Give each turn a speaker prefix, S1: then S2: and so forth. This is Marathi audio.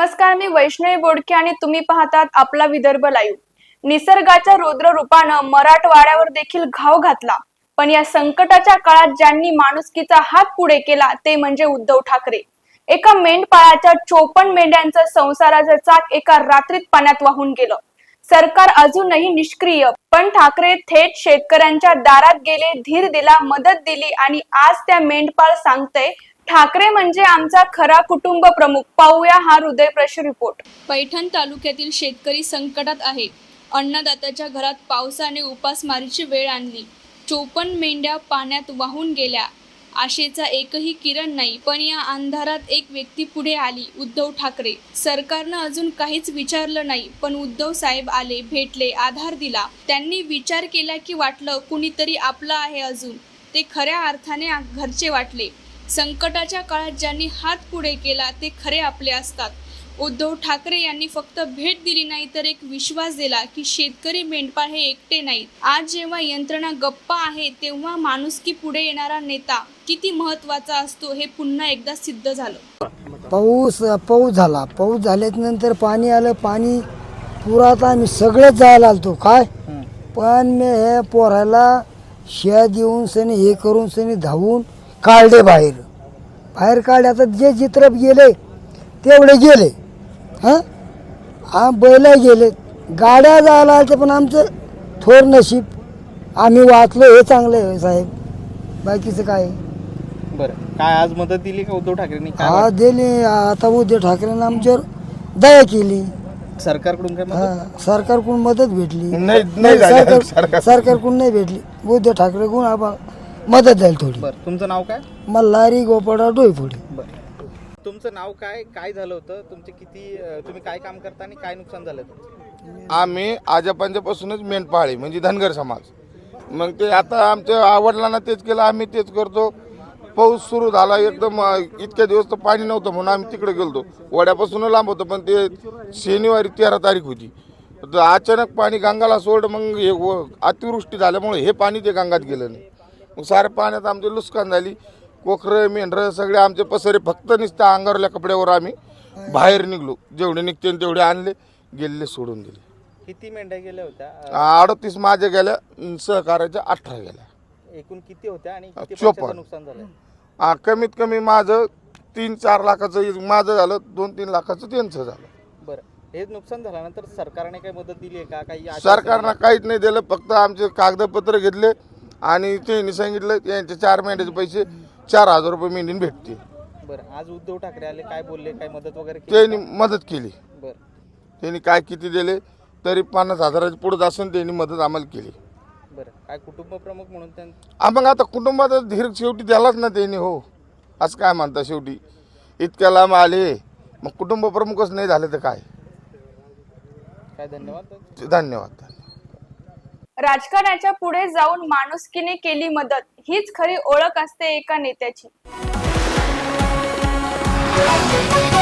S1: नमस्कार, मी वैष्णवी बोडके आणि तुम्ही पाहतात आपला विदर्भ लाईव्ह। निसर्गाच्या रौद्र रूपानं मराठवाड्यावर देखील घाव घातला, पण या संकटाच्या काळात ज्यांनी माणुसकीचा हात पुढे केला ते म्हणजे उद्धव ठाकरे। एका मेंढपाळाच्या 54 मेंढ्यांचं संसाराचं चाक एका रात्रीत पाण्यात वाहून गेलं। सरकार अजूनही निष्क्रिय, पण ठाकरे थेट शेतकऱ्यांच्या दारात गेले, धीर दिला, मदत दिली आणि आज त्या मेंढपाळ सांगतय, ठाकरे म्हणजे आमचा खरा कुटुंब प्रमुख। पाहूया हा हृदयस्पर्शी रिपोर्ट। पैठण तालुक्यातील शेतकरी संकटात आहे। अन्नदात्याच्या घरात पावसाने उपासमारीची वेळ आणली। 54 मेंढ्या पाण्यात वाहून गेल्या। आशेचा एकही किरण नाही, पण या अंधारात एक व्यक्ती पुढे आली, उद्धव ठाकरे। सरकारनं अजून काहीच विचारलं नाही, पण उद्धव साहेब आले, भेटले, आधार दिला। त्यांनी विचार केला की वाटलं कुणीतरी आपलं आहे अजून। ते खऱ्या अर्थाने घरचे वाटले। संकटाच्या काळात ज्यांनी हात पुढे केला ते खरे आपले असतात। उद्धव ठाकरे यांनी फक्त भेट दिली नाही, तर एक विश्वास दिला की शेतकरी मेंढपाळ हे एकटे नाहीत। आज जेव्हा यंत्रणा गप्प आहे, तेव्हा माणुसकी पुढे येणारा नेता किती महत्त्वाचा असतो हे पुन्हा एकदा सिद्ध झालं।
S2: पाऊस झाला। पाऊस झाल्यानंतर पाणी आलं। पाणी पुरात आम्ही सगळेच जायला आलतो काय, पण मी हे पोराला शिया देऊन सनी हे करून सनी धावून काढले बाहेर काढले। आता जे चित्र गेले तेवढे गेले, बैल गेले, गाड्या जायला आल्या, पण आमचं थोर नशीब आम्ही वाचलो हे चांगलं आहे साहेब, बाकीचं काय।
S3: बरं, काय आज मदत दिली का उद्धव ठाकरेंनी?
S2: हा दिली। आता उद्धव ठाकरेंनी आमच्यावर दया केली।
S3: सरकारकडून काय मदत?
S2: सरकारकडून मदत भेटली
S3: नाही
S2: सरकारकडून नाही भेटली, उद्धव ठाकरेकडून आम्हाला मदत झाली थोडी।
S3: बरं, तुमचं नाव काय?
S2: मल्हारी गोपाळराव डोईफोडे।
S3: बरं, तुमचं नाव काय? काय झालं होतं? तुमचे किती, तुम्ही काय काम करता आणि काय नुकसान झालं तुमचं?
S4: आम्ही आजोबांच्यापासूनच मेंढपाळी म्हणजे धनगर समाज। मग ते आता आमच्या वडिलांना तेच केलं, आम्ही तेच करतो। पाऊस सुरू झाला एकदम, इतक्या दिवस तर पाणी नव्हतं म्हणून आम्ही तिकडे गेलतो। वड्यापासून लांब होतं, पण ते शनिवारी 13 तारीख होती, तर अचानक पाणी गंगाला सोड। मग हे अतिवृष्टी झाल्यामुळे हे पाणी ते गंगात गेलं नाही। मग साऱ्या पाण्यात आमची नुकसान झाली। कोकरं मेंढरं सगळे आमचे पसरे, फक्त नुसत्या अंगारल्या कपड्यावर आम्ही बाहेर निघलो। जेवढे निघते तेवढे आणले, गेले, सोडून दिले।
S3: किती मेंढ्या गेल्या होत्या?
S4: 38 माझ्या गेल्या, सहकार्याच्या 18 गेल्या।
S3: एकूण किती होत्या आणि किती
S4: 54.
S3: पैशाचं नुकसान झालं?
S4: कमीत कमी माझं 3-4 लाखाचं माझं झालं, 2-3 लाखाचं त्यांचं झालं।
S3: बरं, हे नुकसान झाल्यानंतर सरकारने काही मदत दिली आहे का? काही
S4: सरकारनं काहीच नाही दिलं, फक्त आमचे कागदपत्र घेतले आणि त्यांनी सांगितलं यांचे 4 महिन्याचे पैसे 4000 रुपये महिन्याने भेटते।
S3: बरं, आज उद्धव ठाकरे आले, काय बोलले? काय मदत वगैरे केली?
S4: त्यांनी मदत केली।
S3: बरं,
S4: त्यांनी काय किती दिले तरी 50,000च्या पुढे असून त्यांनी मदत आम्हाला केली।
S3: बरं, काय कुटुंब प्रमुख म्हणून
S4: मग आता कुटुंबाचा धीर शेवटी द्यालाच ना त्यांनी, हो असं काय म्हणता। शेवटी इतक्या लांब आले, मग कुटुंब प्रमुखच नाही झाले तर काय।
S3: धन्यवाद।
S4: धन्यवाद।
S1: राजकारणाच्या पुढे जाऊन माणुसकीने केली मदत, हीच खरी ओळख असते एका नेत्याची।